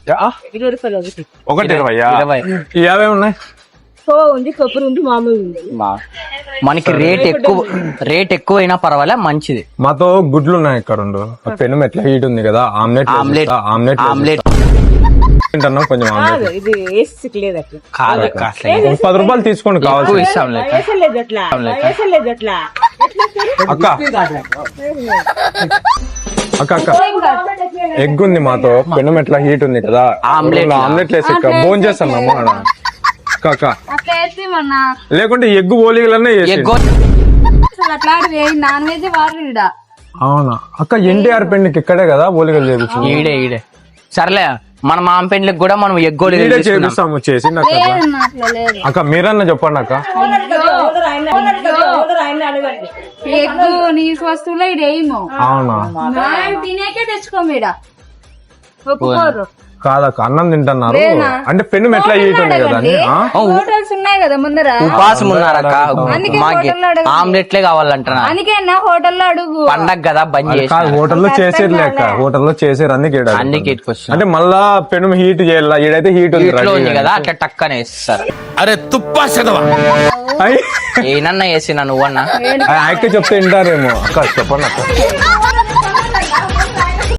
ఒకటి 20 ఉన్నాయి. ఉంది, కొబ్బరి ఉంది, మామూలు ఉంది. మనకి రేట్ ఎక్కువైనా పర్వాలే, మంచిది. మాతో గుడ్లు ఉన్నాయి ఇక్కడ. పెను ఎట్లా హీట్ ఉంది కదా, ఆమ్లెట్ తింటున్నా కొంచెం. ఇది వేసి లేదు అట్లా కాదు, 10 రూపాయలు తీసుకోండి కావాలి. వేసలేదు అట్లా, వేసలేదు అట్లా. అక్క ఎగ్ ఉంది మాతో, పెను ఎట్లా హీట్ ఉంది కదా, ఆమ్లెట్ వేసి భోజనం చేస్తున్నాము అక్క. లేకుంటే ఎగ్గు ఓలిగలన్నా నాన్ వెజ్ వాడు. అవునా అక్క, ఎన్టీఆర్ పెండ్కి ఇక్కడే కదా ఓలిగలు చేపిస్తాం. ఈడే సర్లే, మన మామ పెండ్లకి కూడా మనం ఎగ్గోలు చేపిస్తాము చేసి. అక్క మీరన్నా చెప్పండి అక్క. ఎగ్గు నీసు వస్తువులో ఇదేమో. అవునా, తినేకే తెచ్చుకోమీడ ఒప్పుకోరు. కాదక్క, అన్నం తింటున్నారు అంటే పెను ఎట్లా హీట్ ఉంది కదా. హోటల్స్ ఉన్నాయి కదా ముందర, ఉపాసం ఉన్నారక్క. ఆమ్లెట్లే కావాలంటున్నా, అందుకే హోటల్లో అడుగు. పండగ కదా బంద్ చేసి. హోటల్లో చేసేది లేక, హోటల్లో చేసేది అందుకే. అంటే మళ్ళా పెను హీట్ చేయాల, ఈడైతే హీట్ ఉంది కదా, అట్లా టక్కనే వేస్తారు. అరే తుప్పా చదవా ఏనన్నా వేసినా నువ్వన్నా చెప్తే వింటారేమో. అక్క చెప్పండి అక్క.